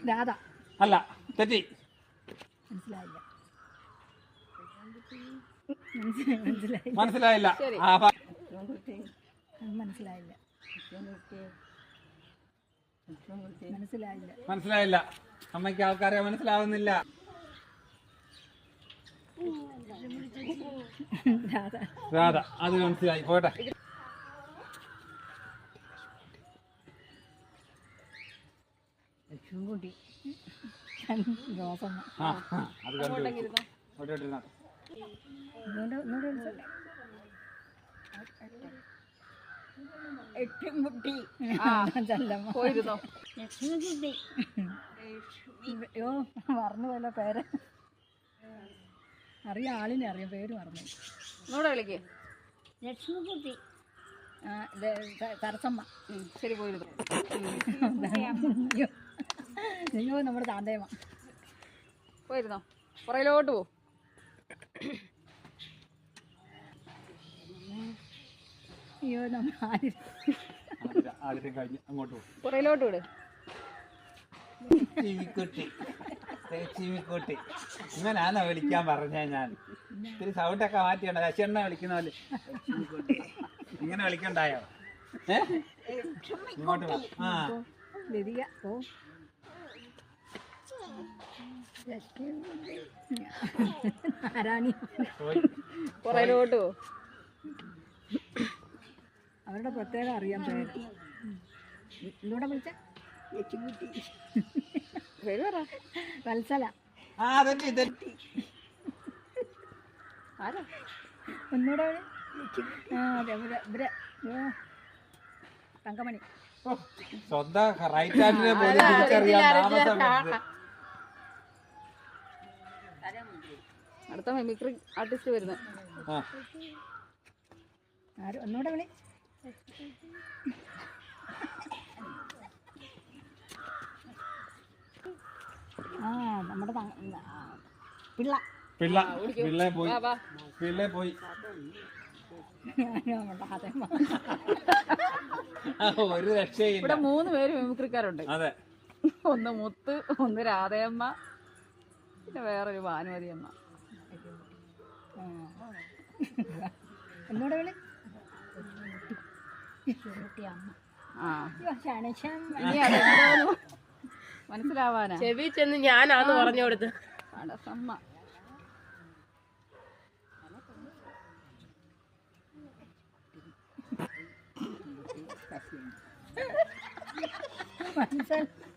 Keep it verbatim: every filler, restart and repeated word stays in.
രാധ അല്ല, തെറ്റി. മനസ്സിലായില്ല. മനസ്സിലായി മനസ്സിലായില്ല. ആ, മനസ്സിലായില്ല. മനസ്സിലായില്ല. മനസ്സിലായില്ല. അമ്മയ്ക്ക് ആൾക്കാരെ മനസ്സിലാവുന്നില്ല. രാധ രാധ അത് മനസ്സിലായി. പോട്ടെ. ലക്ഷ്മിക്കുട്ടി റോസമ്മ. ആ അത് കണ്ടു. എട്ടുംകുട്ടി പോയിരുന്നോ? ലക്ഷ്മിക്കുട്ടി. അയ്യോ മറന്നു പോയല്ലോ പേര്. അറിയാം, ആളിനെ അറിയാം, പേര് മറന്നു. ഒന്നുകൂടെ വിളിക്കേ. ലക്ഷ്മിക്കുട്ടി. തരസമ്മ. ശരി, പോയിരുന്നു. അയ്യോ നമ്മുടെ താന്തേമ്മ. പോയിരുന്നോ? പുറയിലോട്ട് പോ. അയ്യോ നമ്മൾ ആദ്യം കഴിഞ്ഞ് അങ്ങോട്ട് പോകും. പുറയിലോട്ട് വിട്. ചിമിക്കുട്ടി, ചിമിക്കുട്ടി ഇങ്ങനാണോ വിളിക്കാൻ പറഞ്ഞ? ഞാൻ ഇത്തിരി സൗണ്ടൊക്കെ മാറ്റിയുണ്ട്. ശശിയണ്ണ വിളിക്കുന്ന പോലെ ഇങ്ങനെ വിളിക്കണ്ടായോ? ഏ ഇങ്ങോട്ട് വാ. ആ ലതിക. ഓ ആരാണി. പുറയിലോട്ട് പോ. അവരുടെ പ്രത്യേകം അറിയാൻ പേര്. ഇന്നൂടെ വിളിച്ച പേര് പറ. വത്സല. ആ തെറ്റി തെറ്റി. ആരാ? ഒന്നൂടെ വിളി. ആ അതെ ഇവരെ ഇവരെ തങ്കമണി. സ്വന്തം റൈറ്റ് ഹാൻഡിനെ പോലും തിരിച്ചറിയാൻ താമസം. അടുത്ത മിമിക്രി ആർട്ടിസ്റ്റ് വരുന്നത്. ആര്? ഒന്നൂടെ വിളി. ആ നമ്മുടെ പിള്ള. പിള്ള പിള്ളേ പോയി. പിള്ളേ പോയി. ഒരു രക്ഷയില്ല. ഇവിടെ മൂന്ന് പേര് മിമിക്രിക്കാരുണ്ട്. അതെ. ഒന്ന് മുത്ത്, ഒന്ന് രാധയമ്മ, പിന്നെ വേറൊരു ഭാനുമതി അമ്മ. എന്നോട് വിളി. ആ ഇനി അതെന്തോന്നു മനസ്സിലാവാനാ? ചെവി ചെന്ന് ഞാനാന്ന് പറഞ്ഞു കൊടുത്ത്. അടസമ്മ. മനസ്സിലായി.